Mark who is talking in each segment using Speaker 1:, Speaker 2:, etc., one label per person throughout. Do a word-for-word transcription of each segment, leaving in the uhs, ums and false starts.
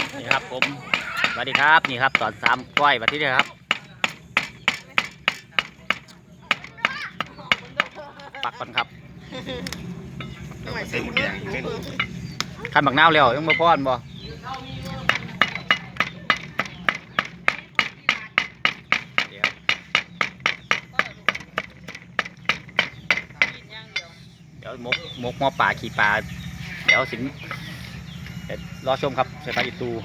Speaker 1: นี่ครับผมสวัสดีครับนี่ครับตอนสามก้อยวันที่นี่ครับปักก่อนครับขันบักนาวแล้วยังมาป้อนบ่เดี๋ยวมกมกหม้อป่าขี่ปลาเดี๋ยวสิงรอชมครับใส่ปลาอีตู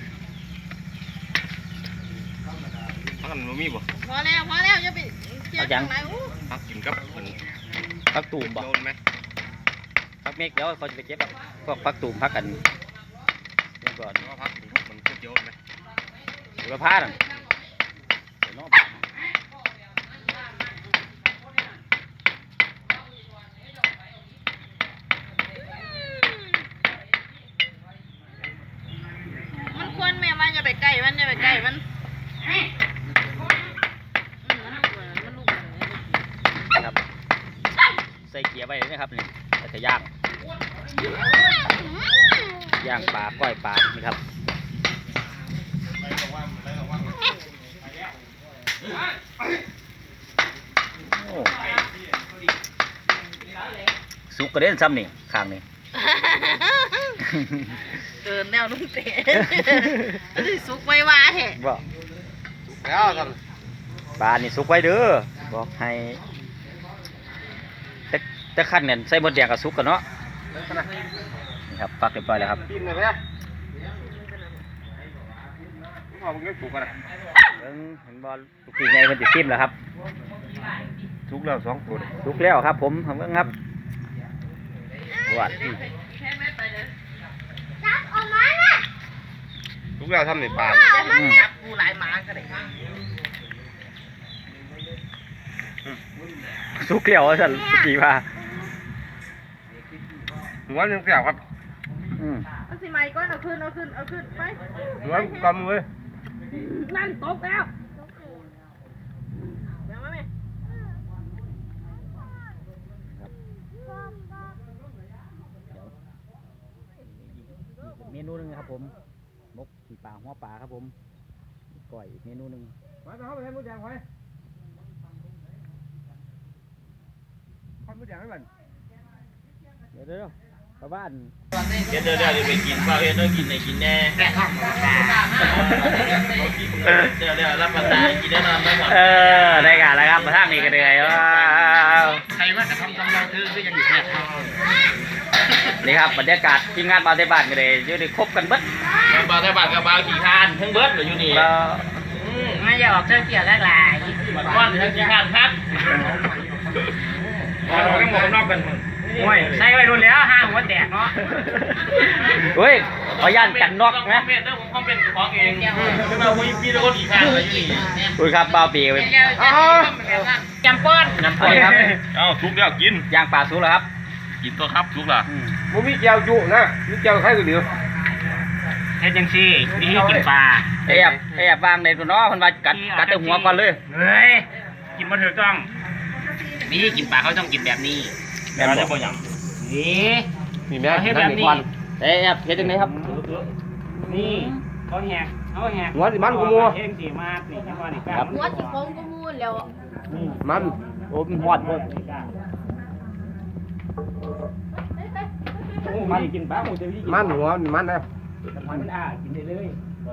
Speaker 2: พักกันมันมีบ่
Speaker 3: พอแล้วพอแล้วจะไปเกี่ยวจังไหน
Speaker 2: พักกินกับมัน
Speaker 1: พักตูมบ่พักเมฆเดี๋ยวเขาจะไปเก็บพวกพักตูมพักกันเดี๋ยวก่อน
Speaker 2: ว่าพักมันเกี่ยวไหม
Speaker 1: หรือว่าผ้าน่ะ
Speaker 3: มันควรแม่มันจะไปใกล้มันจะไปใกล้มัน
Speaker 1: ครับใส่เกียร์ไว้เลยนะครับนี่จะย่างย่างปลาก้อยปลานี่ครับสุกกระเด็นซ้ำนี่ข้างนี่
Speaker 3: เกินแล้วลุงเต๋สุกไว้ว่าเหรอ
Speaker 1: บ่
Speaker 2: แล้วกัน
Speaker 1: ปลานี่สุกไว้เด้อบอกให้แต่แต่ขั้นเนี่ยใส่หมดแดงกับสุกกันเนาะนี่ครับปักเรียบร้อยแล้วครับ
Speaker 2: กินเลยไหมพอมันก็สุกกันนะ
Speaker 1: เบิ่งเห็นบอลลูกพี่ใหญ่มันจะซิมแล้วครับ
Speaker 2: สุกแล้วสองตัว
Speaker 1: สุกแล้วครับผมทำเบิ่งครับวัด
Speaker 2: สุกแล้วทำในปลา
Speaker 3: จับปูหลายหมาก็ได้
Speaker 1: สุกแล้วสั่นกี่ว่า
Speaker 2: หัวยังเสียบครับ
Speaker 1: อืม
Speaker 3: เอาสิไม้ก้อนเอาขึ้นเอาขึ้นเอาขึ้นไป
Speaker 2: หัวกำเลย
Speaker 3: นั่นตกแล้วยังไม่
Speaker 1: เมนูนึงครับผมมกขี่ปลาหัวปลาครับผมก่อยอีกเมนูนึง
Speaker 2: ไปไปเข้าไปให้มดแดงไปข้าวมดแดงให้มัน
Speaker 1: เดี๋ยวเดี๋ยวชาวบ้าน
Speaker 4: เดี๋ยวเดี๋ยวเดี๋ยวไปกินข้าวเฮ็ดต้องกินไหนกินแน่เดี๋ยวเดี๋ยวรับประทานกินแน่นอนไม่หมด
Speaker 1: เออได้กันแล้วครับมาทางนี้กันเลยว้าว
Speaker 4: ใครว่าจะทำทำเราคือคือยังอยู่แค่
Speaker 1: นี่ครับบรรยากาศทีมงานบาเทบานกันเลยอยู่ในครบกันเบิด
Speaker 4: บาเทบานกับบาขี่คานทั้งเบิดอยู่นี่
Speaker 3: ไม่อยากออกเจ้าเกี่ยวแรกหลาย
Speaker 4: ก้อนทั้งขี่คานครับเราต้องบอกนอกกัน
Speaker 3: โอ้ยใส่ไว้รุ่นแล้วห้าหัวแตกเนาะ
Speaker 1: เฮ้ยขอย่านกันนอกนะ
Speaker 4: คอมเมนต์เรื่องของคอมเมนต์ของเองคือมาคุยพี่ตะโกนขี่คานเลยอยู่นี่
Speaker 1: คุยครับบ่าวปีไป
Speaker 3: จำป้อน
Speaker 1: จำป้อนครับ
Speaker 4: เอ้าทุกแล้วกิน
Speaker 1: ย่างปลาสุกแล้วครับ
Speaker 4: กินตัวครับทุกแล้ว
Speaker 2: มันมีแก้วจุนะมีแก้วใครก็เดียว
Speaker 3: เฮ็ดจังซี่นี่กินปลา
Speaker 1: แอบแอบวางในตัวน้อมันมากัดกัดแต่หัวก่อนเลย
Speaker 3: เฮ้ยกินมาถูกต้องนี่กินปลาเขาต้องกินแบบนี้
Speaker 4: แบบนี้บ่หยัง
Speaker 3: นี่
Speaker 2: มีแม่
Speaker 3: เฮ็ดแบบนี้
Speaker 1: แอบเฮ็ดจังได๋ครับ
Speaker 3: นี่เขาแหกเขาแหก
Speaker 2: หัวสิมันกูมัว
Speaker 3: เฮ็ดสิมานี่จังว่านี่ค
Speaker 1: รั
Speaker 3: บ
Speaker 5: หัวสิโค้งกูมูนแล้ว
Speaker 2: มัน
Speaker 1: โอ้มันฮอดเพิ่น
Speaker 3: มันกินปลาหมูจะ
Speaker 2: มันหัวมันนะ
Speaker 3: มันอ่ากินได้เลย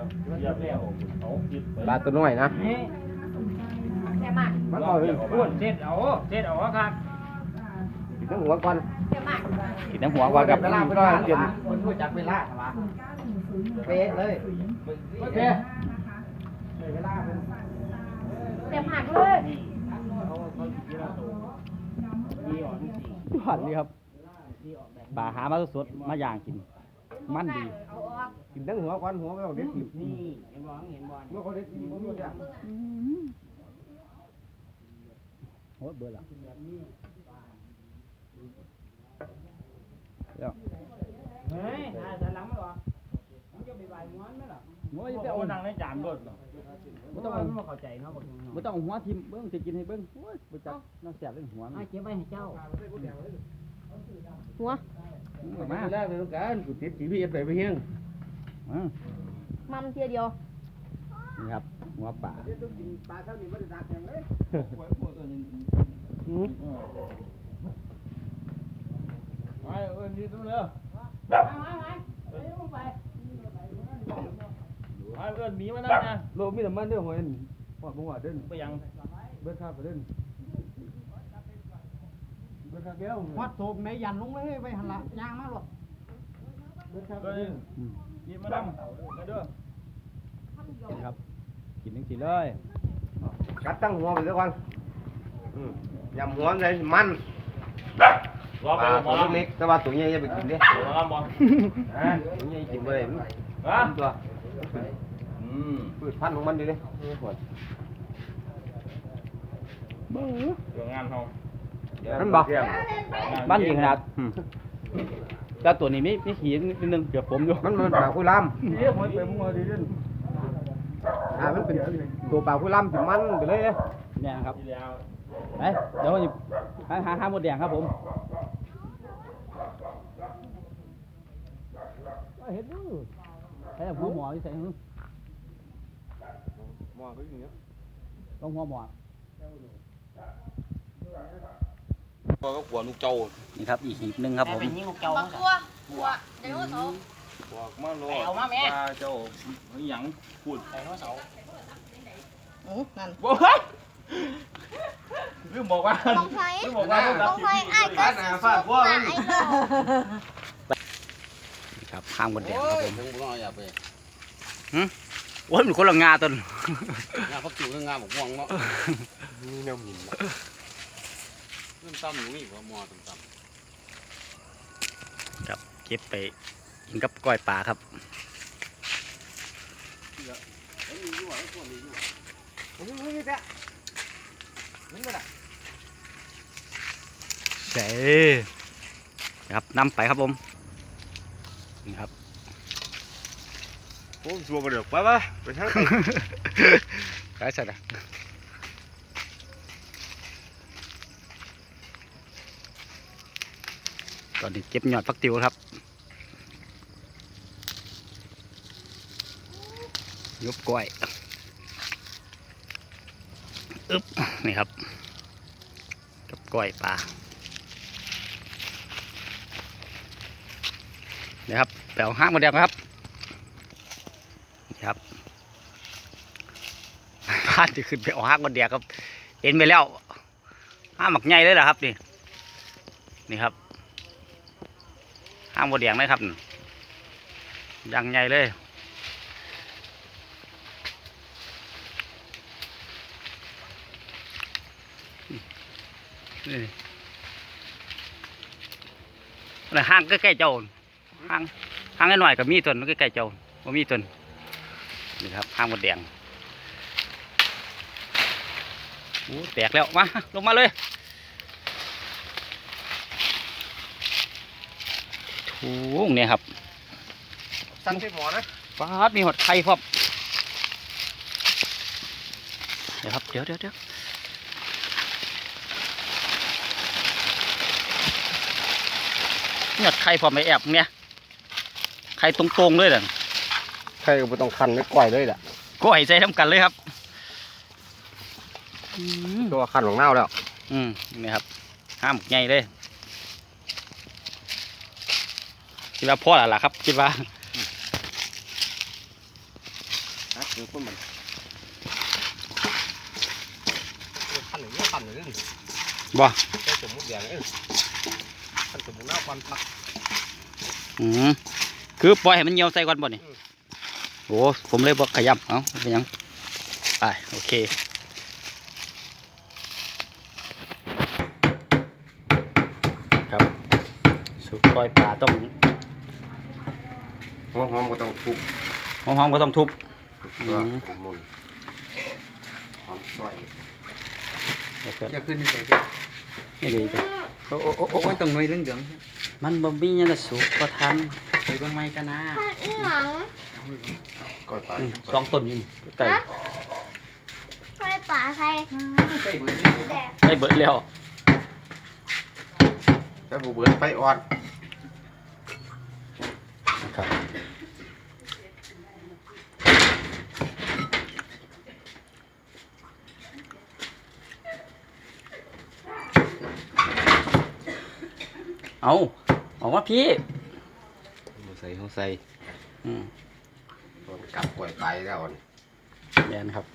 Speaker 2: ปลาตัวน้อยนะ
Speaker 5: แค่มาก
Speaker 2: มันเอาเลย
Speaker 3: อ้วนเสร็จเอาเสร็จเอาครับ
Speaker 2: กินทั้งหัวก่อน
Speaker 5: แค่มาก
Speaker 1: กินน้ำหัวก่อนกับ
Speaker 2: เวลาไม่ได้เตรียม
Speaker 3: คนรู้จักเวลาเหรอวะเป๊ะเลยโอเคเวลา
Speaker 5: เต็มหักเลย
Speaker 1: หันนี่ครับปลาหามาสดมาย่างกินมันดี
Speaker 2: กินทั้งหัวก่อนหัวไม่ต้องเด็ดกิน
Speaker 3: นี่เห็นบอลเห็นบอล
Speaker 2: เมื่อเขาเด็ดกินมันรู้จัก
Speaker 1: โอ้เบื่อละ
Speaker 3: เฮ้ยจะล้ำหรอมันจะไปใบม้วนไหมล่ะ
Speaker 1: ม้วนจะเอา
Speaker 3: นั่งในจานเบิดหรอไม่ต้องไม่เข้าใจเนาะ
Speaker 1: ไม่ต้องหัวทิมเบิ้งจะกินให้เบิ้งโอ้ยบ่จักน้ำแสบเรื่องหัว
Speaker 3: ไอ้เก็บไว้ให้เจ้า
Speaker 5: หัว
Speaker 2: มาแรกเลยต้องการกูติดจีพีเอฟไปไปเฮียง
Speaker 5: มัมเทียเดียว
Speaker 1: นี่ครับหัวป่า
Speaker 2: ปลาเท่านี้ไม่ได้ดักอย่างเลยอืม
Speaker 4: ไปเอิ้นนี่ตัวเร็วไปเอิ้นหมีมานั่นนะ
Speaker 2: โลมีน้ำมันด้วยหอยหอดบ่หอดเด่น
Speaker 4: ไปยัง
Speaker 2: เบิดข้าวไปเด่นเบิดข้าวแก้ว
Speaker 3: วัดโศกในยันลงเลยไปหันละยางมาหรอก
Speaker 2: เบิดข้าวไป
Speaker 4: เอิ้
Speaker 2: เด่
Speaker 4: น
Speaker 2: น
Speaker 4: หมีมานั่งมาเด้อ
Speaker 1: นี่ครับกินทั้งสิเลย
Speaker 2: กัดตั้งหัวไปซะก่อนอืมยำหัวเลยมัน
Speaker 4: รอ
Speaker 2: ป
Speaker 4: ไป
Speaker 2: ลา
Speaker 4: หม
Speaker 2: ตั
Speaker 4: อ
Speaker 2: ว
Speaker 4: ลำ
Speaker 2: เล็กๆแต่ว่าตัวใหญ่อย่าไปกินดิ
Speaker 4: หมอลำบ่
Speaker 2: อ่าตัวใหญ่กินไปเลยมัน
Speaker 4: ฮะ
Speaker 2: ตัว
Speaker 4: อืม
Speaker 2: พืชพันธุ์ของมันดิเลย
Speaker 4: เรื่องงานเฮา
Speaker 2: นั่นบ่
Speaker 1: บ้านยิงขนาดอืมแต่ตัวนี้มีมีขีนิดนึงเกือบผมอยู่
Speaker 2: มันมันปลาคุยลามเรียกหอยเต็มหัวดิเด่นอ่ามันเป็นตัวปลาคุยลามสิมันไปเลยเนี่ย
Speaker 1: เนี่ยนะครับ
Speaker 4: ที่แล้ว
Speaker 1: ไปเดี๋ยวหยิบหาหาหาหมดแดงครับผมเห็นดูใส่หัวหมอที่ใส่หื้อ
Speaker 2: หม้อไปอย่างเงี้ย
Speaker 1: ต้องหัวหมอ
Speaker 4: พอก็ขวลูกเจ้า
Speaker 1: นี่ครับอีกหีบหนึงครับผม
Speaker 5: บักตัวหัวไดโนเสาร์
Speaker 4: บอกมาโลดว่าเจ้าหยังพูด
Speaker 3: อือนั่น
Speaker 4: บ่ลืมบอกว่า
Speaker 5: ต้องใช้
Speaker 4: ลืมบอกว่า
Speaker 5: ต้องใช้ไอ้ก็สิสุกว่าไอ้โล
Speaker 1: นี่ครับข้ามหมดแดงครับผม
Speaker 6: ทั้งบุญเอาอย่าไป
Speaker 1: โอ้ยมันคนละงาต้น
Speaker 6: งานพักจิ๋วงานบอกม่วงเนาะ
Speaker 2: มีแนวหิน
Speaker 6: เริ่มตั้มอยู่นี่ว่ามอตั้มตั้ม
Speaker 1: ครับเก็บไปกินกับก้อยปลาครับ
Speaker 6: แล้วมีอยู่อ่ะไอ้ตัวนี้อยู่
Speaker 2: โอ้ยนี่แหละนี่ก็ได้
Speaker 1: เจ๋ครับนำไปครับผมนี่ครับ
Speaker 2: โอ้ชัวร์ไปเดี๋ยวไปไปไปทางไหน
Speaker 1: ใช่ใช่ตอนนี้เก็บยอดฟักติวครับยบก้อยอึ๊บนี่ครับกับก้อยปลานี่ครับแปลวห้างมาแดงครับนี่ครับพลาดจะขึ้นไปเอาห้างมาแดงครับเห็นไปแล้วห้างหมักใหญ่เลยเหรอครับนี่นี่ครับห้างมาแดงเลยครับยังใหญ่เลยนี่อะไรห้างใกล้ๆเจ้าห้างห้างหน่อยกับมีต้นใกล้ๆเจ้าว่ามีต้นนี่ครับห้างมดแดงโอ้แตกแล้วมาลงมาเลยถูงเนี่ยครับ
Speaker 2: สั่งใส่หมอนะ
Speaker 1: ฟาดมีหอดไข่พร้อมเดี๋ยวครับเดี๋ยวเดี๋ยวเดี๋ยวหอดไข่พร้อมไปแอบเนี่ยไข่ตรงๆเลยเด้อ
Speaker 2: ใครก็ไม่ต้องคันไม่ก่อยเลยแหละ
Speaker 1: ก้อยใจทำกันเลยครับอืม
Speaker 2: ตัวคันของเน่าแล้ว
Speaker 1: อืมนี่ครับห้ามใหญ่เลยคิดว่าพ่อแล้วล่ะครับคิดว่า
Speaker 2: ฮะคือคนมันคันหนึ่งคันหนึ่ง
Speaker 1: บ่
Speaker 2: ใส่สมุดแดงเอ้ยคันสมุดเน่าควันพัก
Speaker 1: อืมคือปล่อยให้มันเหี่ยวใส่ก่อนบ่นี่โอ้ผมเลยบอกขยำเอ้าเป็นหยังไปโอเคครับสุกปล่อยปลาต้อง
Speaker 2: หอมหอมก็ต้องทุบ
Speaker 1: หอมๆก็ต้องทุบ
Speaker 2: ตัวมุนหอมซอย
Speaker 1: แล้วก็
Speaker 2: จะขึ้นที่ไหน
Speaker 1: นี่ดีจ้ะ
Speaker 3: โอ้โอ้โอ้โอ้ตรงหน่วยเรื่องเดือง
Speaker 1: มันบ่มีหยังจะสุกก็ทัน
Speaker 3: ไปเบิ่งไม้กันนะ
Speaker 5: อีหยัง
Speaker 2: ก่อยปลา
Speaker 1: อืมสองต้นอยู่นี่ไก่
Speaker 5: ใส่ป่าใส่
Speaker 3: ใส่เบิ่ง
Speaker 5: แต่
Speaker 1: ได้เบิดแล้ว
Speaker 2: แต่บุเบิร์ดไฟอ่อน
Speaker 1: ครับเอาออกมาพี่
Speaker 2: ใส่เขาใส่
Speaker 1: อืม
Speaker 2: ตอนกลับกล้วยไปแล้วนี่
Speaker 1: แม่นครับ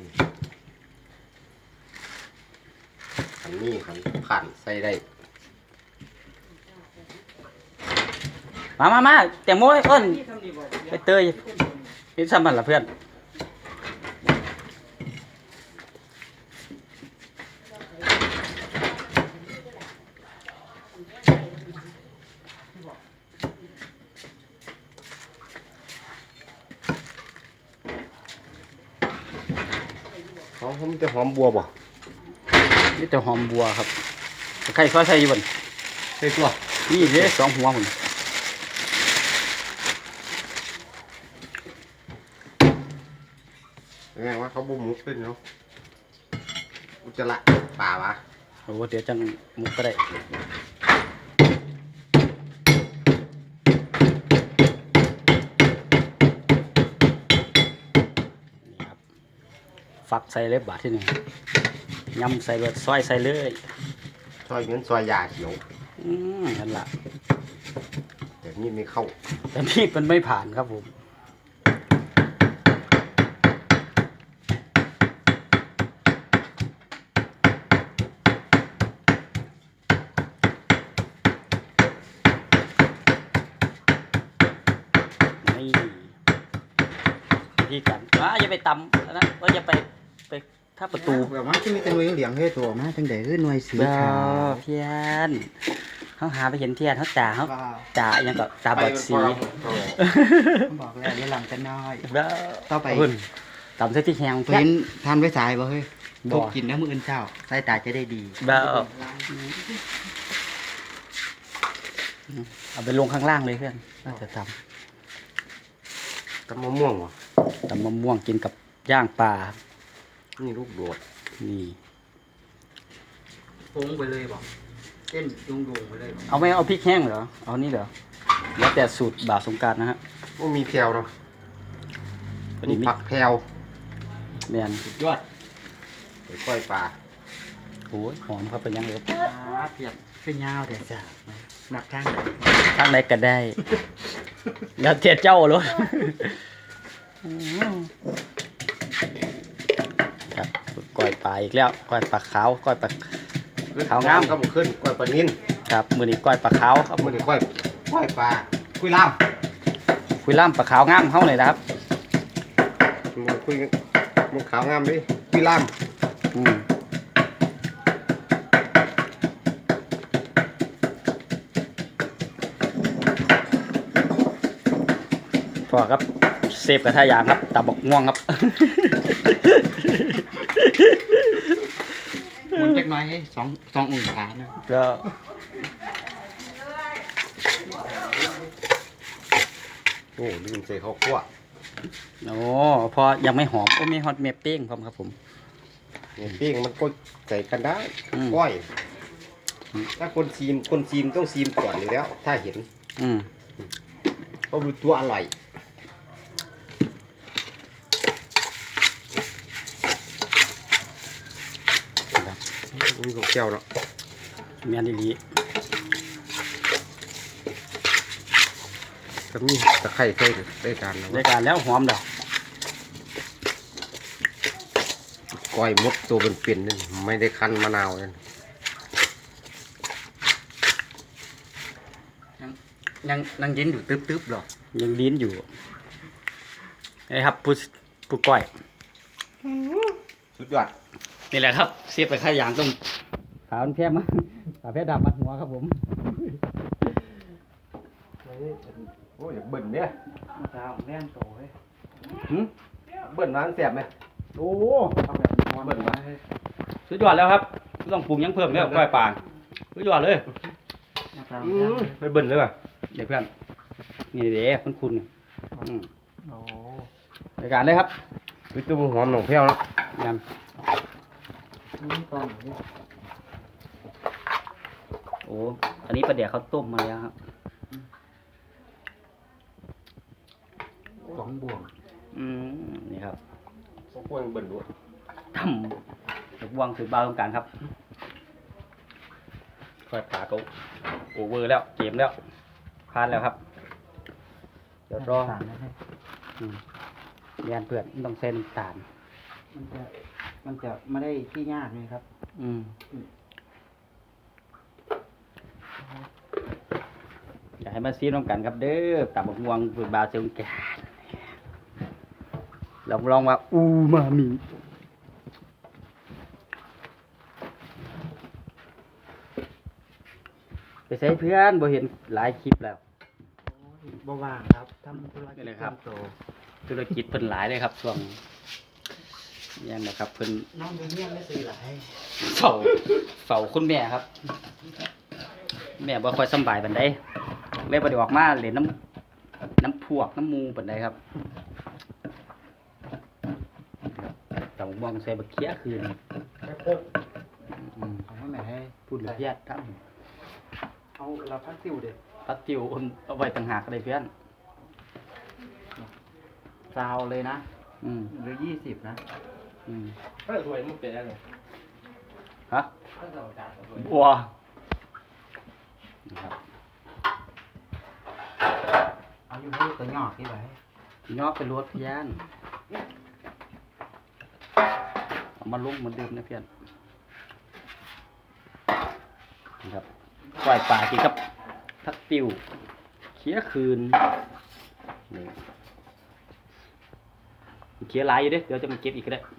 Speaker 2: ขันนี้ขันขันใส่ได้
Speaker 1: มามามาแตงโมให้เอิ้นไปเตยนี่ซ้ำมันล่ะเพื่อน
Speaker 2: เขาเขามันจะหอมบัวบ่
Speaker 1: นี่แต่หอมบัวครับใครซอยใส่อยู่บน
Speaker 2: ใส่ตัว
Speaker 1: นี่เด้สองหัวผม
Speaker 2: ยังไงวะเขาบุมุกขึ้นเนาะอุจจาระป่าวะ
Speaker 1: โอ้เดี๋ยวจังมุกก็ได้นี่ครับฟักใส่เลยบาทที่หนึ่งยำใส่เลยซอยใส่เลย
Speaker 2: ซอยเงินซอยยาเขียว
Speaker 1: อืมนั่นล่ะ
Speaker 2: แต่นี่ไม่เข้า
Speaker 1: แต่นี่มันไม่ผ่านครับผมนี่พี่กันอ่ะอย่าไปตำนะว่าอย่าไปไปถ้าประตู
Speaker 3: แบบว่าที่มีแต่หน่วยเหลียงให้ตัวมาจังได๋คือหน่วยสี
Speaker 1: เบ้า
Speaker 3: ขาว
Speaker 1: เพียนเขาหาไปเห็นเทียนเขาจ่าเขา
Speaker 3: ว้าว
Speaker 1: จ่าอยังก็ตาบอดสี
Speaker 3: ผมบอกแล้วอย่าหลังกันน้อย
Speaker 1: เบ้า
Speaker 3: ต่อไป
Speaker 1: เพิ่นตำเส้นที่แหง
Speaker 3: เพิ่นทานไว้สายบ่เฮ้ย
Speaker 1: บ่
Speaker 3: พกกินน้ำมื้ออื่นเช้าสายตาจะได้ดี
Speaker 1: เบ้าเอาไปลงข้างล่างเลยเพื่อนน่าจะท
Speaker 2: กับมะม่วงวะ
Speaker 1: ำตำมะม่วงกินกับย่างปลา
Speaker 2: นี่ลูกโดด
Speaker 1: นี่
Speaker 3: ปรุงไปเลยบ่เต้นดุงๆไปเลยบ่
Speaker 1: เอาไม่เอาพริกแห้งเหรอเอานี่เหรอแล้วแต่สูตรบ่าวสงกรานต์นะฮะ
Speaker 2: ว่ามีแพรวเนาะ
Speaker 1: พอ
Speaker 2: มี
Speaker 1: ดีมี
Speaker 2: ผักแพรว
Speaker 1: แมน
Speaker 3: สุดยอด
Speaker 2: ไปกล้วยปลา
Speaker 1: โอ้ยหอมครับเป็นยังไงครับ
Speaker 3: อ่าเปียกขึ้นยาวแต่จ้ะนับทางไหน
Speaker 1: ข้างในก็ได้แล้วเทียเจ้าเลยครับก้อยปลาอีกแล้วก้อยปลาขาวก้อยปลา ขาวงาม
Speaker 2: ก็มันขึ้นกล้วยปลานิน
Speaker 1: ครับมือนี้ก้อยปลาขาวครับ
Speaker 2: เอามันกล้วยกล้วยปลาคุยล่าม
Speaker 1: คุยล่ามปลาขาวงามเข้าเลยนะครับ
Speaker 2: มันคุยมันขาวงามดิคุยล่าม
Speaker 1: อืมพอครับเซฟกระทะยางครับตาบอกง่วงครับ
Speaker 3: หมุนจักหน่อยให้สองสององศานะ
Speaker 1: ก็
Speaker 2: โอ้ลืมใส่ข้าวคั่ว
Speaker 1: โอ้พอยังไม่หอมโอ้มีฮอตเมปปิ้งพร้อมครับผม
Speaker 2: เนี่ยปิ้งมันก็ใส่กันได้
Speaker 1: อืม
Speaker 2: ก้อยถ้าคนซีมคนซีมต้องซีมก่อนอยู่แล้ว ถ้าเห็น
Speaker 1: อืม
Speaker 2: เขารู้ตัวอร่อยมีของแก้วเนาะ
Speaker 1: เมียนดีลี
Speaker 2: ก็มีตะไคร้ใส่ได้การแล้ว
Speaker 1: ได้การแล้วหอมดอก
Speaker 2: ก้อยมดตัวเป็นๆนั่นไม่ได้คั้นมะนาวนั่น
Speaker 3: ยังยังยินอยู่ตึ๊บๆหรอ
Speaker 1: ยังลิ้นอยู่นี่ครับผู้ผู้ก้อย
Speaker 2: สุดยอด
Speaker 1: นี่แหละครับเสียบไปข้ายางต้องขาวมันแพร่มาขาวแพร่ดำมัดหัวครับผม
Speaker 2: โอ้ยอยากเบิ่นเนี่ย
Speaker 3: ดาวแน่นโตเฮ้ย
Speaker 1: หืม
Speaker 2: เบิ่นร้านแสบไหม
Speaker 1: โอ้
Speaker 3: เอาแบบนอน
Speaker 2: เบิ่นมา
Speaker 1: สุดยอดแล้วครับไม่ต้องปรุงหยังเพิ่มแล้วก้อยปลาสุดยอดเลย
Speaker 3: ดาว
Speaker 2: อื
Speaker 3: แน่น
Speaker 2: มไปเบิ่นเลยป่ะ
Speaker 1: เดี๋ยวเพื่อนนี่เด้คุณคุณอืม
Speaker 3: โอ้
Speaker 1: รายการเลยครับ
Speaker 2: วิตัวหอมหนองแพ้วแล้ว
Speaker 1: ย
Speaker 3: นี่ตอนนี้
Speaker 1: ำโอ้อันนี้ปลาเดี๋ยวเขาต้มมาแล้วครับ
Speaker 3: สองบวก
Speaker 1: อืมนี่ครับ
Speaker 2: พวกพวกเบิ่นด้วย
Speaker 1: ทำเด็กวางถือบาวตรงกลางครับปล่อยปลาก็โอเวอร์แล้วเกมแล้วพลาดแล้วครับเดี๋ยวรออืมเรียนเพื่อนต้องเส้นน้ำตาล
Speaker 3: มันจะมันจะไม่ได้ที่ยากเลยครับ
Speaker 1: อืมอยากให้มาซีมน้ำกันครับเด้อตับบักม่วงฝืนบาเซลแกนลองลองว่าอูมามิไปใช้เพื่อนบ่เห็นหลายคลิปแล้ว
Speaker 3: บ่ว่างครับทำธุรกิจ
Speaker 1: นี่เลยครับ
Speaker 3: โต
Speaker 1: ธุรกิจเพิ่นหลายเลยครับช่วงนี้นะครับเพิ่น
Speaker 3: น้องเงี้ยไม่ซื้อหลาย
Speaker 1: เฝ้าเฝ้าคุณแม่ครับ แม่บ่ค่อยสำบายปานใดเลยบ่ได้ออกมาเล่นน้ำน้ำพวกน้ำมูปานใดครับต้องมองใส่บักเขียคืน
Speaker 3: ไปพก
Speaker 1: อืม
Speaker 3: เอาไว้แม่ให้
Speaker 1: พูดละเอียดครับ
Speaker 3: เอาเราพักติวเด็ด
Speaker 1: พัดติวเอาไว้ต่างหากเลยเพื่อน
Speaker 3: ซาวเลยนะ
Speaker 1: อืม
Speaker 3: หรือยี่สิบนะ
Speaker 1: อืม
Speaker 6: ถ้าสวยมันเป็นอะไร
Speaker 1: ฮะ
Speaker 6: ถ้าสวยสวย
Speaker 1: บัวนะครับ
Speaker 3: เอาอยู่ให้ตัวหยอกที่ไหน
Speaker 1: ยอกไปรวดเพื่อนเอามาลุกมาดื่มนะเพื่อนนะครับปล่อยปลากินครับทักติวเคี้ยคืนนี่เคี้ยหลายอยู่เด้เดี๋ยวจะมาเก็บอีกก็ได้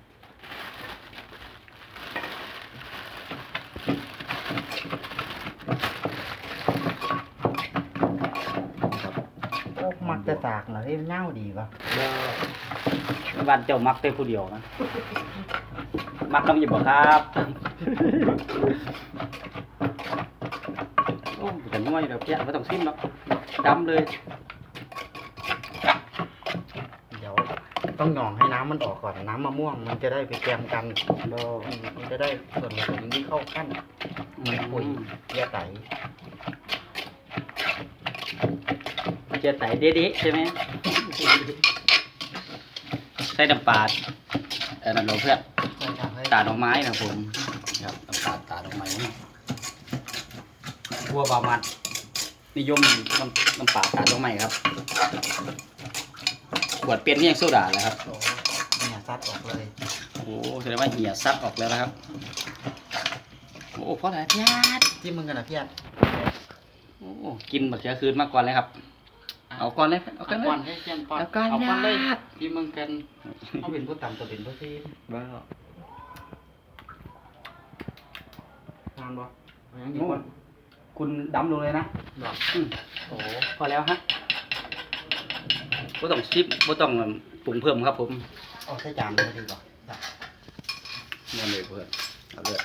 Speaker 1: ครับ
Speaker 3: โอ้มักจะตากเหรอที่เน่าดีป่ะ
Speaker 1: บ้านเจ้ามักแต่ผู้เดียวนะ มักน้ำหยิบบ่ครับ โอ้แต่น้อยเดี๋ยวแกะไม่ต้องซิมหรอกดำเลย
Speaker 3: เดี๋ยวต้องหยองให้น้ำมันออกก่อนน้ำมะม่วงมันจะได้ไปแกมกัน
Speaker 1: โด
Speaker 3: อืมมันจะได้ส่วนผสมที่เข้ากันมันปุ๋ยเยื่อไต
Speaker 1: เจียไตเด๊ะๆใช่ไหมใส่น้ำปลาเออน้ำลงเพื่อน
Speaker 3: ใช่ครับให้
Speaker 1: ตาดอกไม้นะผมครับน้ำปลาตาดอกไม้ทั่วบามันนิยมน้ำน้ำปลาตาดอกไม้ครับขวดเป็นที่ยังโซดาเลยครับ
Speaker 3: โอ้เนี่ยซัดออกเลย
Speaker 1: โอ้แสดงว่าเหี่ยซับออกแล้วนะครับ โอ้เพราะอะไรพี่ญาติ
Speaker 3: ที่มึงกันนะพี่อัด
Speaker 1: โอ้กินบักเขือคืนมาก่อนเลยครับ เอาก่อนเลยเอาก่อนเลย
Speaker 3: ก่อนให้แกมก่อน
Speaker 1: เอาก่อน
Speaker 3: เอาก่อนเลย
Speaker 1: ญาติ
Speaker 3: ที่มึงกันเอาเป็นผู้ต่ำตัวเป็นผู้ซีน
Speaker 1: บ้า
Speaker 3: ทานบ่เอาอย่างนี้
Speaker 1: โอ้
Speaker 3: ก่อน
Speaker 1: คุณดำลงเลยนะ
Speaker 3: ดอก
Speaker 1: อืมโอ้พอแล้วฮะบ่ต้องชิปบ่ต้องปรุงเพิ่มครับผม
Speaker 3: เอาใส่จานเลยดีกว่าได้
Speaker 1: นั่นเลยเพื่อนเอาเลย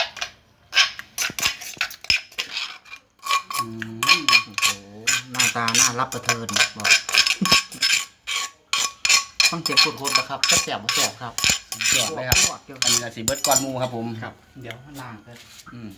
Speaker 1: อืม
Speaker 3: โอ้โหหน้าตาน่ารับประเทินบอกต้องเสียงโคตรๆนะครับจะแสบบ่แสบครับ
Speaker 1: ยอดเลยครับ
Speaker 3: เดี๋ยว
Speaker 1: อันนี้ก็สีเบิร์ดก้อนหมูครับผม
Speaker 3: ครับเดี๋ยวล้างกัน
Speaker 1: อืม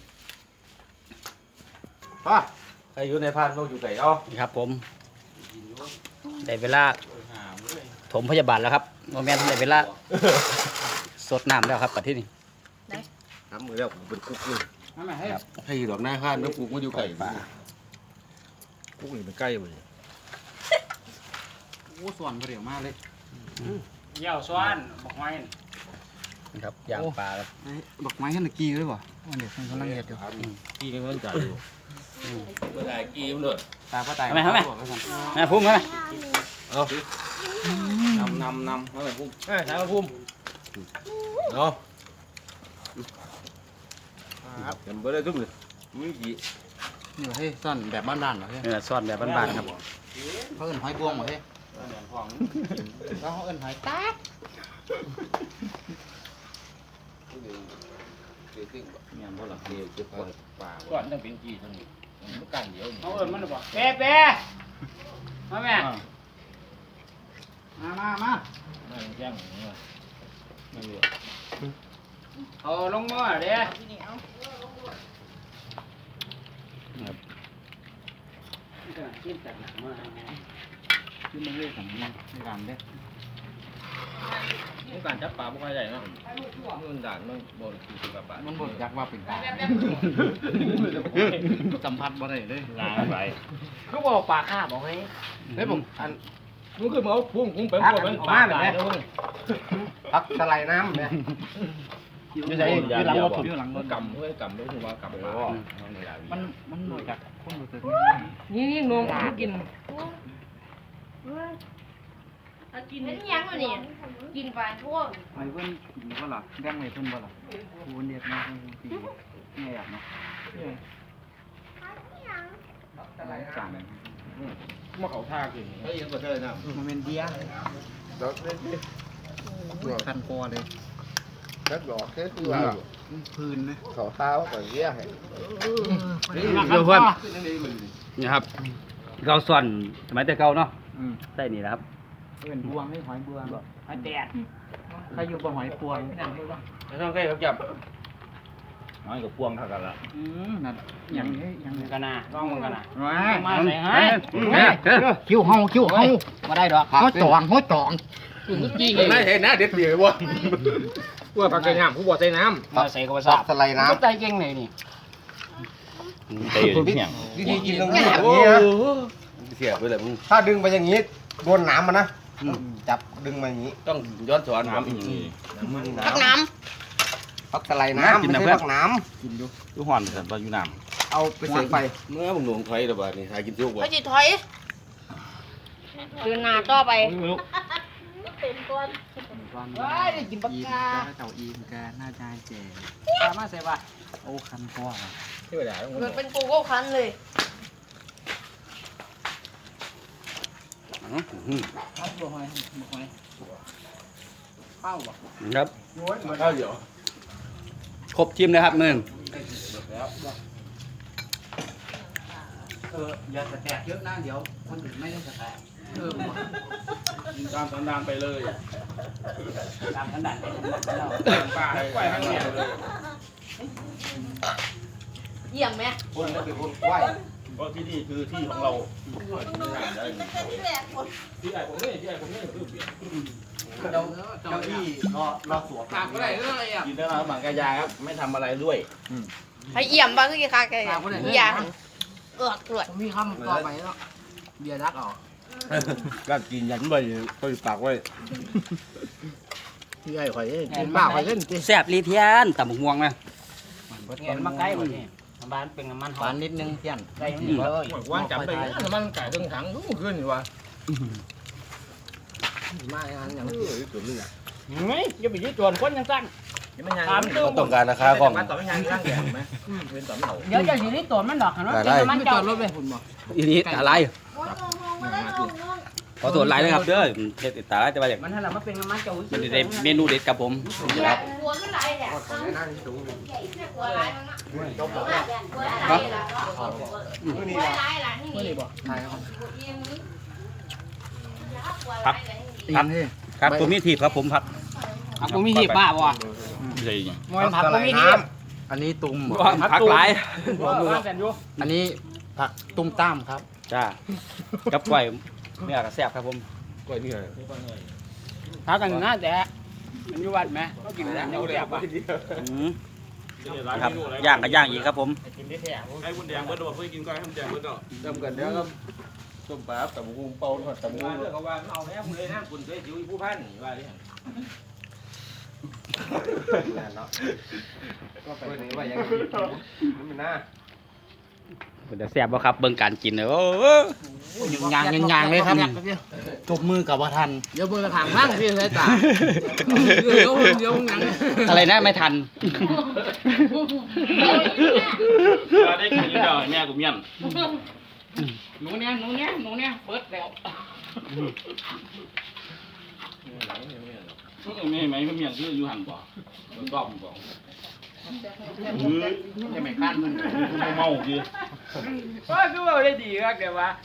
Speaker 2: ป่ะใครอยู่ในพานเราอยู่ไก่เอา
Speaker 1: นี่ครับผมได้เวลาถมพยาบาลแล้วครับโมเมนต์ได้เวลาสดน้ำแล้วครับปัดที่นี่
Speaker 2: ทำมือแล้วผมเป็นกุ๊กเลย
Speaker 3: นั่นแหละให้
Speaker 2: ให้ดอกหน้าข้านแล้วกุ๊กมาอยู่ไก่
Speaker 1: ป่า
Speaker 2: กุ๊กอยู่เป็นใกล้เลย
Speaker 3: โอ้ส่วนเปรี้ยวมากเลย
Speaker 6: เยี่ยวซ้อนบอกไว้
Speaker 1: ครับย่างปลาครับ
Speaker 3: ไอ้ดอกไม้ขนาดกี้เลยบ่วันเด็กมันกำลังเห็ดอยู่
Speaker 2: กี่นี่มันจ่ายอยู่
Speaker 6: เมื่อไหร่กีมเลย
Speaker 3: ตาป้าตาย
Speaker 1: ทำไมทำไมแม่พุ่มทำไม
Speaker 2: เอา
Speaker 6: นำนำนำเมื่อไหร่พุ่ม
Speaker 2: เอ้ยถามมาพุ่มเอาจำไม่ได้ทุกเลยมีกี่
Speaker 3: นี่เฮ้ยซ่อนแบบบ้านๆเหรอเฮ้ย
Speaker 1: เนื้อซ่อนแบบบ้านๆครับ
Speaker 3: เขาเอิ้นหอยบวงเหรอเฮ้ยแล้วเขาเอิ้นหอยตาก
Speaker 2: งานพวกหลักเดียวจะปล่อยป่า
Speaker 6: ก่อนต้องเป็นกีทั้งนี้มันกันเดียว
Speaker 4: เขาเอิญมันบอกเป๊ะเป๊ะมาแม่
Speaker 3: มามามา
Speaker 6: ไม่แจ้งอย่างนี้ไม่เหลือ
Speaker 4: เอาลงมือเด้
Speaker 3: ที่มึงเรียกของมันในร้านเด้
Speaker 2: การจับปลาไม่ค่อยใหญ่เนาะมันด่านมันบนคือปลามันบนจักว่าเป็นปลาสัมผัสบ่ได้เลย
Speaker 6: ลาไป
Speaker 3: เขาบอกปลาข้าบอกให้
Speaker 2: เฮ้ยผมอันมันคือเอาพุ่งพุ่งเป็นพวกมันปลาตายแล้วมึง
Speaker 3: พักสไลด์น้ำเนี่ย
Speaker 2: อยู่ไหนอยู่หลังรถอยู่หลังรถกำเฮ้ยกำรู้สึกว่ากำปลามันมันหน่วยจากคนรู้สึกนี่นี่นมกิน
Speaker 5: กินเป็นยังวะเนี่ยกินไปทั่ว
Speaker 2: ไอ้เพื่อนกินก็หรอแดงไอ้เพื่อนบ่หรอคูนเด็ดนะตีไม่อยากเนาะจานมาเขาท่ากินเฮ้ยยังกว่าเธอนะมันเป็นเดียคันคอเลย
Speaker 3: rất rõ thếคือว่า
Speaker 2: พื้นนะ
Speaker 3: เขาเท้าก่อนเยี่ยให้
Speaker 1: เดี๋ยวเพื่อนนี่ครับเราส่วนสมัยแต่เก่าเนาะใส่นี่แหละครับ
Speaker 2: เป็นบวงให้หอยบวงหอยแดดใครอยู่บนหอยพวงไม่ต้องใกล้ครับจับ
Speaker 6: น้อยกับพวงเท่ากันละ
Speaker 2: อืมนั่นยังยังกันนะ
Speaker 1: ลองมันกันนะ
Speaker 2: มาใส่ให้
Speaker 3: คิ้วเฮาคิ้วเฮามาได้ดอกเขาจองเขาจอง
Speaker 2: จริงไม่เห็นนะเด็ดเดียววะว่าปลาเกยน้ำผู้บ่ใส่น้ำ
Speaker 1: มาใส่กระสอบ
Speaker 3: สไลด์น้
Speaker 2: ใจเก่งเลยนี่
Speaker 6: เตยอยู่ที่เนี่ย
Speaker 3: ำวิธีกินต้องแบบนี้นะ
Speaker 6: เสียไปเลยมึง
Speaker 3: ถ้าดึงไปอย่างนี้โดนน้ำมันนะจับดึงมาอย่างนี้
Speaker 6: ต้องย้อนสอนน้ำอีกที
Speaker 5: พักน้
Speaker 3: พักสไลด์น้ำไม่ใช่พักน้
Speaker 6: ดูห่อนแต่ตอนอยู่น้
Speaker 3: ำเอาไปใส่ไฟ
Speaker 6: ำเมื่อมึงหลวงไทยระบาดนี่หากินทุก
Speaker 5: ำ
Speaker 6: วัน
Speaker 5: เขาจะถอยเดินหน้าต่อไป
Speaker 2: ว้ายกินปลากาเต่าอีมกาหน้าใจเจ๋ปลามาใส่ปะโอ้คันคอที่ไปด่า
Speaker 5: เกิดเป็นโกโก้คันเลย
Speaker 2: ครับบัวหอยบัวหอยข้าวบ่
Speaker 1: ครับ
Speaker 6: ข้าวเดี๋ยว
Speaker 1: ครบชิมเลยครับหนึ่ง
Speaker 2: เอออย่าแตกเยอะนะเดี๋ยวคนอื่นไม่ได้แตกเออ
Speaker 6: ตามสันดานไปเลย
Speaker 2: ตามขนาดนี้เรา
Speaker 6: ปลาปล่อยให้เนี่ยเลย
Speaker 5: เยี่ยมไหม
Speaker 3: คนนั้นเป็นคนไหว
Speaker 6: เพราะที่นี่คือที่ของเรา
Speaker 2: ที่ไอ้ผมนี่ที่ไอ้ผมนี่คือเปลี่ยนเจ้าเจ้าที่รอรอสวมขาดอะไรเรื่องอะไรอ่ะ
Speaker 6: กินได้แล้วบางกายาครับไม่ทำอะไรด้วย
Speaker 5: ให้เยี่ยมบ้างคือกี่คาแกอย่าเอือกตรวจ
Speaker 2: มีคำต่อไปแล้วเบียร์รักออก
Speaker 6: ก็กินยันไปก็ปากไว้ที่ไอ้ข่อย
Speaker 2: กินบ้าไปเล่น
Speaker 1: แซ่บรีเทียนตำบักม่วงนะ
Speaker 2: เห็นมาใกล้หมดนี่บ้านเป็นน้ำมันหอมนิดนึงเพี้ยนใกล้นี่เลย
Speaker 6: ว่างจับไปน้ำมันไก่เครื่องถังรู้ขึ้นอยู่วะ
Speaker 2: มาอันอย่าง
Speaker 6: เออตัวนึงอ่ะ
Speaker 2: ไม่จะไปยืดจวนคนยังสั้นถามดู
Speaker 6: ต้องการราคาของ
Speaker 2: มาต่อไม่ยังร่างแก่ไหมเป็นต่อไม่เอา
Speaker 3: เดี๋ยวจะสิริตัวมันดอกนะ
Speaker 6: ได้
Speaker 2: มันจอดรถไปคุณบอก
Speaker 1: อีนี้ตาลายขอตรวจลายนะครับเด้อเด็ดตาลายจะมาจาก
Speaker 3: มันถ้าเรามาเป็นน้ำมันเจ้า
Speaker 1: มันจะได้เมนูเด็ดครับผมครับ
Speaker 5: กลัวขึ้นไหลแหละกลัวไหลมันอ่ะกลัวไหลล่ะกลัวไหลล่ะนี่นี่
Speaker 2: ใช่ครับ
Speaker 1: ครับ ครับครับตัวมีทีบครับผมครับ
Speaker 3: ผักกูมีหีบบ้าบ่
Speaker 6: ใช่ยัง
Speaker 3: มวยผักกูมีหีบ
Speaker 2: อันนี้ตุ้ม
Speaker 1: พักหลาย
Speaker 2: อันนี้ผักตุ้มต้ามครับ
Speaker 1: จ้ากับกล้วยเนื้อกระแซบครับผม
Speaker 6: กล้วยนี่ไง
Speaker 3: ผักกันง่ายแต่มันอยู่วัดไหมก็กินแล้วเดี๋ยวป่ะ
Speaker 1: อืมครับย่างก็ย่างอีกครับผม
Speaker 6: ให้คุณแดงเบิร์ดบอกเพื่อกินก้อยให้คุณแดงเบิร์ดเนาะจำกันเดี๋ยวครับส้มปลาแต่บุ้งเป่าหอดแต่บุ้ง
Speaker 2: เขาว่าเอาแม่คุณเลยนะคุณเคยจิ๋วผู้พันว่าดิ
Speaker 3: ก็ไปนี่ว่ายังมันน่า
Speaker 1: เป็นจะแซ่บบ่ครับเบิ่งการกินเด้อโอ้
Speaker 2: ยางยางเลยครับจบมือกับว่าทันเดี๋ยวมือกระถางล่างพี่ใช้ตาเดี๋ยวเดี๋ยวยัง
Speaker 1: อะไรนะไม่ทัน
Speaker 6: ได้กินอยู่แล้วแม่กูเมียน
Speaker 3: หนูเนี่ยหนูเนี่ยหนูเนี่ยเปิดแล้ว
Speaker 6: ไม่ไหมเมียนคืออยู่หันบ่รอบบ่
Speaker 3: จะไม่คันมึง
Speaker 6: เมาคือ
Speaker 3: ก็คือว่าได้ดีครับเดี๋ยวว่า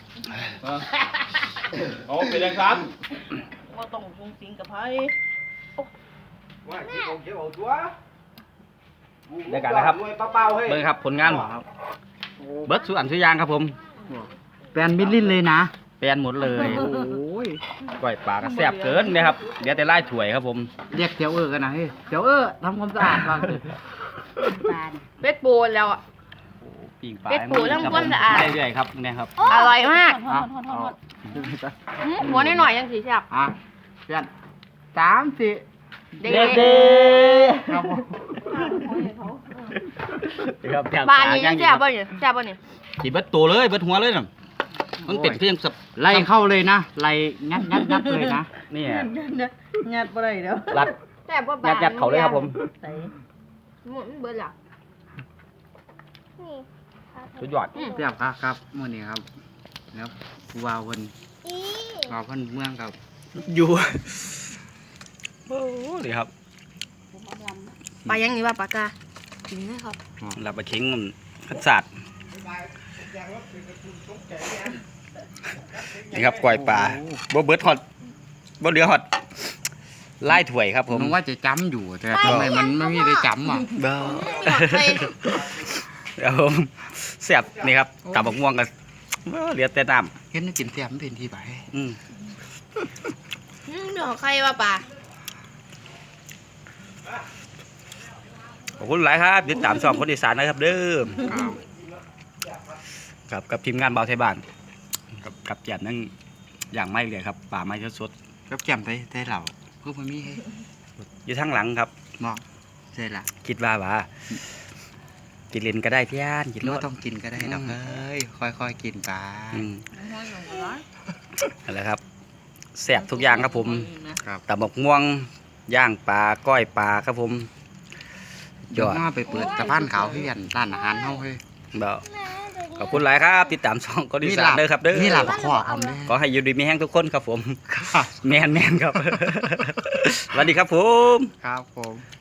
Speaker 6: เอาเป็นยังครับ
Speaker 5: ว่าต้องฟุ้งฟิ้งกับไพ่
Speaker 3: ว่าที่ผมเขียวตัว
Speaker 1: ได้กันนะครับ
Speaker 3: มวยเป้าๆเฮ้ย
Speaker 1: เบิ่งครับผลงานเบิร์ดสุอันสุยางครับผม
Speaker 2: แปนมิลลินเลยนะ
Speaker 1: แปลนหมดเลยโอ้ยก้อยปลาก็แซ่บเกินนะครับเดี๋ยวแต่ไล่ถ้วยครับผม
Speaker 3: เรียกเตียวเออกันนะเฮ้ยเตียวเออทำความสะอาดบ้างสิ
Speaker 5: เป็ดปูแล้วอ่ะ
Speaker 1: ปิ้งปลา
Speaker 5: เป็ดปูต้องความสะอาด
Speaker 1: เรื่อยๆครับเนี่ยครับ
Speaker 5: อร่อยมาก
Speaker 3: เอาเอา
Speaker 5: อื้อหัวนิดหน่อยยังสีแซ่บ
Speaker 3: อ่ะเพื่อนสามสี่
Speaker 5: เด็ก
Speaker 3: ครับผม
Speaker 1: ครับ
Speaker 5: ๆบ้านนี้ยังแซ่บป่ะเนี่ยแซ่บป่ะเนี่ย
Speaker 1: กินเบิดตัวเลยเบิดหัวเลยน่ะมันเป็นเพียงสับ
Speaker 3: ไล่เข้าเลยนะไล่งัดงัดงัดเลยนะ
Speaker 1: นี่
Speaker 2: งัดบ่ได้เด้อ
Speaker 1: รัด
Speaker 5: แซ่บป่ะบ้า
Speaker 1: ยั
Speaker 5: น
Speaker 1: ดยัดเขาเลยครับผม
Speaker 5: หมดเบิดละ
Speaker 1: สุดยอด
Speaker 5: อืม
Speaker 3: เรียบครับครับมื่อนี้ครับครับวาวคนวาวคนเมืองครับ
Speaker 1: อยู่โอ้ดีครับ
Speaker 5: ปลายังนี่ว่าปลากากินไหมครับ
Speaker 1: รับไปทิ้งมันขัดสาดนี่ครับกล้วยปลาบ่เบิดฮอดบ่เหลือฮอดไล่ถ้วยครับผม
Speaker 3: ผมว่าจะจำอยู่แต่ทำไมมันไม่มีได้จำอ่ะ
Speaker 1: เบ้อ
Speaker 5: หมดเลย
Speaker 1: เดี๋ยวผมแซ่บนี่ครับกับบักม่วงกันเหลือแต่น้
Speaker 3: เห็นกินเสียมเป็นที่ไหน
Speaker 1: ำอืม
Speaker 5: อืมเดี๋ยวใครว่าปลา
Speaker 1: ขอบคุณหลายครับติดตามช่องคนอีสานนะครับเด้อครับกับทีมงานเบาไทยบ้านกับกับแจ่มนั่งอย่างไม่เลยครับป่าไม้สด
Speaker 3: กับแก้มได้ได้เหล่าเพื่อมันมีให้
Speaker 1: ๆอยู่ทางหลังครับ
Speaker 3: มองใช่ละ
Speaker 1: คิดว่าว่ากินเลนก็ได้พี่อันกิน
Speaker 3: หรือ
Speaker 1: ร
Speaker 3: ว่า
Speaker 1: ถ
Speaker 3: ต้องกินก็ได้ดอกเอ้ยค่อยๆกินไป
Speaker 1: อืมนั่นแหละครับแซ่บทุกอย่างครับผม
Speaker 3: ครับ
Speaker 1: ตำบักม่วงย่างปลาก้อยปลาครับผมย
Speaker 3: เดี๋ยว
Speaker 1: อด
Speaker 3: มาไปเปิดตะพานขาวที่กันร้านอาหารเฮาเฮ้ย
Speaker 1: เบาขอบคุณหลายครับ ติดตามช่องคนอีสานเด้อครับเด้อ
Speaker 3: นี่ลาบขอคำเลย
Speaker 1: ขอให้อยู่ดีมีแห้งทุกคนครับผม
Speaker 3: ครับ
Speaker 1: แมนแมนครับ สวัสดีครับผม
Speaker 3: ครับผม